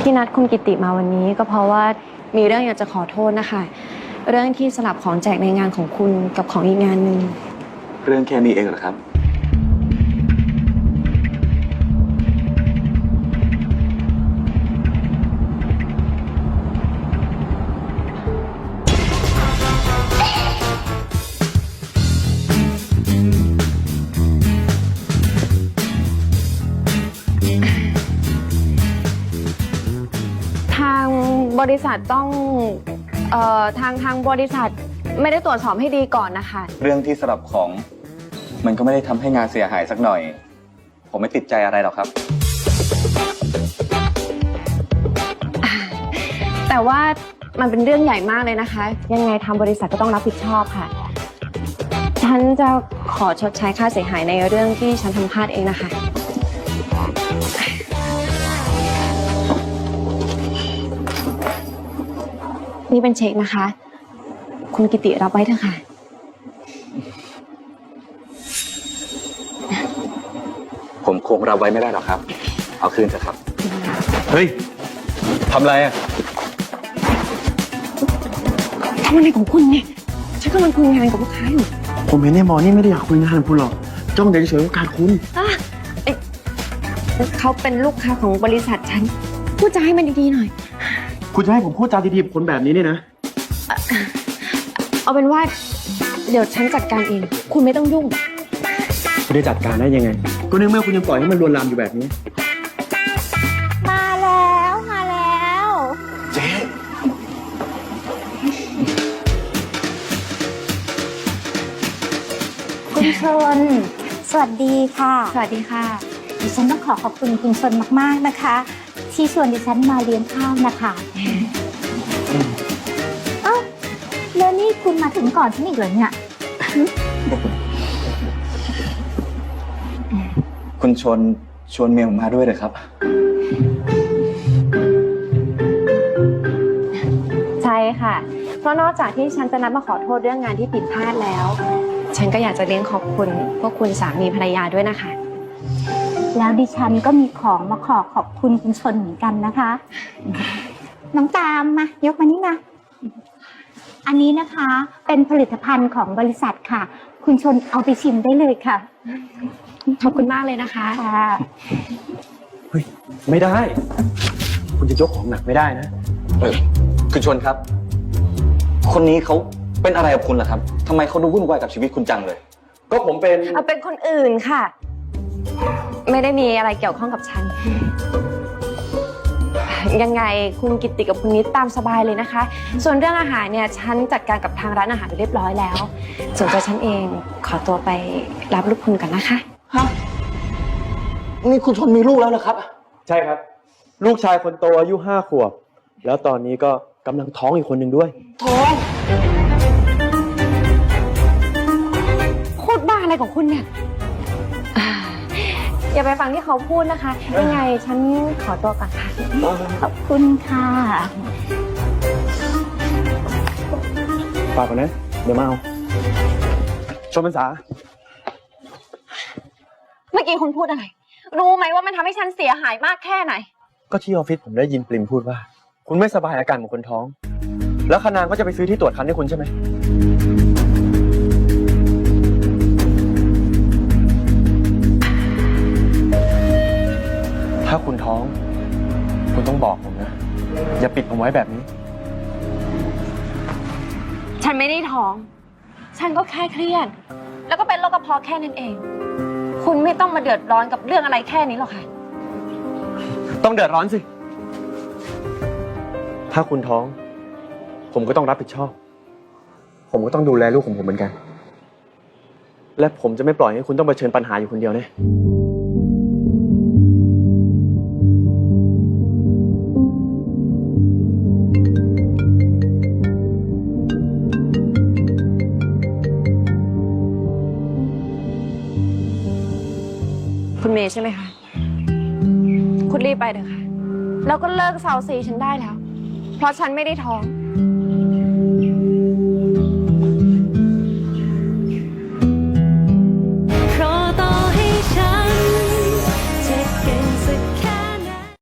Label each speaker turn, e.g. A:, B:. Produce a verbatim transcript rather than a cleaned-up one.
A: ที่นัดคุณกิติมาวันนี้ก็เพราะว่ามีเรื่องอยากจะขอโทษนะคะเรื่องที่สลับของแจกในงานของคุณกับของอีกงานหนึ่ง
B: เรื่องแค่นี้เองเหรอครับ
A: ทางบริษัทต้องเอ่อทางทางบริษัทไม่ได้ตรวจสอบให้ดีก่อนนะคะ
B: เรื่องที่สลับของมันก็ไม่ได้ทำให้งานเสียหายสักหน่อยผมไม่ติดใจอะไรหรอกครับ
A: แต่ว่ามันเป็นเรื่องใหญ่มากเลยนะคะยังไงทางบริษัทก็ต้องรับผิดชอบค่ะฉันจะขอชดใช้ค่าเสียหายในเรื่องที่ฉันทำพลาดเองนะคะนี่เป็นเช็คนะคะคุณกิติรับไว้เถอะค่ะ
B: ผมคงรับไว้ไม่ได้หรอกครับเอาคืนเถอะครับเฮ้ยทำอะไรอ่ะ
A: ทำอะไรของคุณเนี่ยฉันกำลังคุยงานกับลูกค้าอยู่
C: ผมเห็นในหมอนี่ไม่ได้อยากคุยงานกับคุณหรอกจ้องแต่เฉยๆโอกาสคุณ
A: อ่ะเขาเป็นลูกค้าของบริษัทฉันพูดจาให้มันดีๆหน่อย
C: คุณจะให้ผมพูดจาดีๆกับคนแบบนี้เนี่ยนะ
A: เอาเป็นว่าเดี๋ยวฉันจัดการเองคุณไม่ต้องยุ่ง
C: คุณจะจัดการได้ยังไงก็ในเมื่อคุณยังปล่อยให้มันลวนลามอยู่แบบนี้
D: มาแล้วมาแล้ว
B: เจ๊
D: คุณชนสวัสดีค่ะ
A: สวัสดีค่ะ
D: ดิฉันต้องขอขอบคุณคุณชนมากๆนะคะที่ชวนดิฉันมาเลี้ยงข้าวนะคะเอ้าแล้วนี่คุณมาถึงก่อนฉันอีกเหรอเนี่ย
B: คุณชนชวนเมียผมมาด้วยเลยครับ
A: ใช่ค่ะเพราะนอกจากที่ฉันจะนัดมาขอโทษเรื่องงานที่ผิดพลาดแล้วฉันก็อยากจะเลี้ยงขอบคุณพวกคุณสามีภรรยาด้วยนะคะ
D: แล้วดิฉันก็มีของมาขอขอบคุณคุณชนเหมือนกันนะคะน้องตามมายกมานี่มาอันนี้นะคะเป็นผลิตภัณฑ์ของบริษัทค่ะคุณชนเอาไปชิมได้เลยค่ะ
A: ขอบคุณมากเลยนะคะ
D: ค่ะ
C: เฮ้ยไม่ได้คุณจะยกของหนักไม่ได้นะ
B: เออคุณชนครับคนนี้เขาเป็นอะไรกับคุณล่ะครับทำไมเขาดูวุ่นวายกับชีวิตคุณจังเลย
C: ก็ผมเป็น
A: เอาเป็นคนอื่นค่ะไม่ได้มีอะไรเกี่ยวข้องกับฉันยังไงคุณกิตติกับคุณนิดตามสบายเลยนะคะส่วนเรื่องอาหารเนี่ยฉันจัดการกับทางร้านอาหารเรียบร้อยแล้วส่วนตัวฉันเองขอตัวไปรับลูกคุณก่อนนะคะ
B: ฮะนี่คุณชนมีลูกแล้วเหรอครับ
C: ใช่ครับลูกชายคนโตอายุห้าขวบแล้วตอนนี้ก็กำลังท้องอีกคนหนึ่งด้วย
B: ท้อง
A: โคตรบ้าอะไรของคุณเนี่ยอย่าไปฟังที่เขาพูดนะคะยังไงฉันขอตัวก่อนค่ะ
D: ขอบคุณค่ะ
C: ฝากก่อนนะเดี๋ยวมาเอาชมพรรษา
A: เมื่อกี้คุณพูดอะไรรู้ไหมว่ามันทำให้ฉันเสียหายมากแค่ไหน
C: ก็ที่ออฟฟิศผมได้ยินปริมพูดว่าคุณไม่สบายอาการเหมือนคนท้องแล้วคณางก็จะไปซื้อที่ตรวจคันให้คุณใช่ไหมถ้าคุณท้องคุณต้องบอกผมนะอย่าปิดผมไว้แบบนี้
A: ฉันไม่ได้ท้องฉันก็แค่เครียดแล้วก็เป็นโรคกระเพาะแค่นั้นเองคุณไม่ต้องมาเดือดร้อนกับเรื่องอะไรแค่นี้หรอกค่ะ
C: ต้องเดือดร้อนสิถ้าคุณท้องผมก็ต้องรับผิดชอบผมก็ต้องดูแลลูกของผมเหมือนกันและผมจะไม่ปล่อยให้คุณต้องเผชิญปัญหาอยู่คนเดียวแน่
A: คุณเมย์ใช่ไหมคะคุณรีบไปเถอะค่ะแล้วก็เลิกเซาซีฉันได้แล้วเพราะฉันไม่ได้ท้อง